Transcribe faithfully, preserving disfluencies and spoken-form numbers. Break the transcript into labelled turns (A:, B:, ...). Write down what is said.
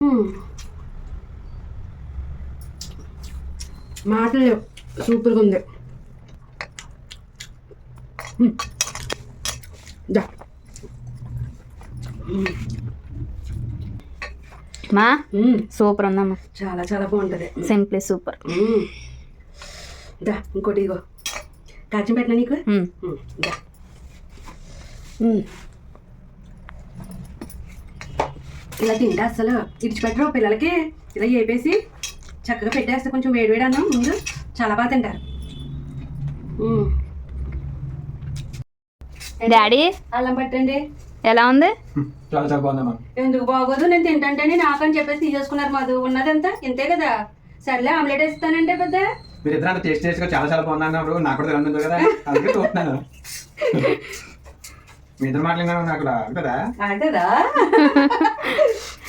A: మాటలు సూపర్గా ఉంది.
B: మా సూపర్ ఉందమ్మా,
A: చాలా చాలా బాగుంటుంది.
B: Simply super.
A: దా ఇంకోటి ఇగో కాచి పెట్టినా నీకు. దా ఇలా తింటే అసలు ఇడిచిపెట్టరు పిల్లలకి. ఇలా వేపేసి చక్కగా పెట్టేస్తే కొంచెం వేడి వేడి అన్నం ముందు చాలా బాగా తింటారు.
B: డాడీ
A: అల్లం పట్టండి.
B: ఎలా ఉంది?
C: చాలా చాలా బాగుందమ్మా.
A: ఎందుకు బాగోదు, నేను తింటాంటేనే నాకని చెప్పేసి తీసేసుకున్నారు. మాది ఉన్నదంతా ఇంతే కదా. సర్లే ఆమ్లెట్ వేస్తానంటే పెద్ద
C: మీరు ఇద్దరు అంత టేస్ట్ టేస్ట్ గా చాలా చాలా బాగుంది అన్నప్పుడు నాకు కూడా తెలియదు కదా, అందుకే చూస్తున్నాను. మీ ఇద్దరు మాటలు నాకు కదా
A: అంటదా